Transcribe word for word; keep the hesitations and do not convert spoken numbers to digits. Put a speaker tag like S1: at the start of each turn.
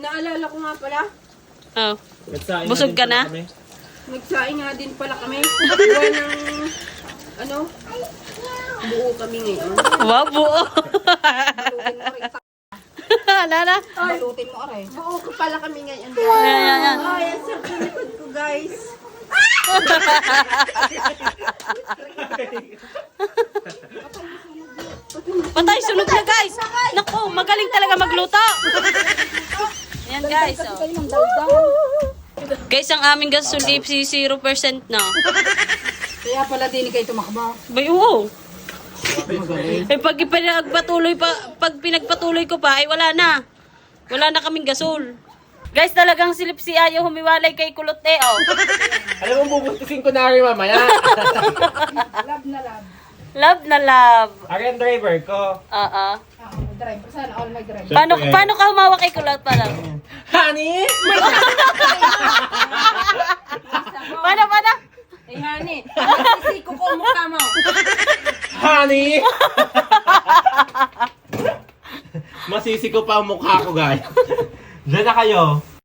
S1: naalala ko nga pala.
S2: Oh.
S3: Nagsaing
S2: Busog
S3: din
S2: ka
S3: pala
S2: na?
S3: kami.
S1: Nagsaing nga din pala kami. Buwan ng, ano, buo kami ngayon.
S2: Wow, buo.
S1: Balutin mo rin.
S2: Lala.
S1: Balutin mo rin. Buo ko pala kami ngayon.
S2: Ayan, ayan, ayan.
S1: Oh, yan sa pilikod ko, guys.
S2: Patay, sunog na guys. Naku, magaling talaga magluto. Ayan guys. Oh. Guys, ang aming gasolip si zero percent na.
S1: Kaya pala din kayo tumakbo.
S2: Bay, oo. Eh, pag pinagpatuloy pa, pag pinagpatuloy ko pa, ay wala na. Wala na kaming gasol. Guys, talagang silip si Ayo humiwalay kay Kulot eh, oh.
S3: Alam mo, bubustusin ko na rin mamaya.
S1: Love na love.
S2: Love na love.
S3: Akin driver ko.
S2: Oo.
S1: Ako, driver. Sana all my driver.
S2: Paano, paano ka humawak kay Kulot pa lang?
S3: Honey!
S2: Paano, paano?
S1: Eh, honey. Sisiko ko ang mukha mo.
S3: Honey! Masisi ko pa ang mukha ko, guys. Diyan na kayo.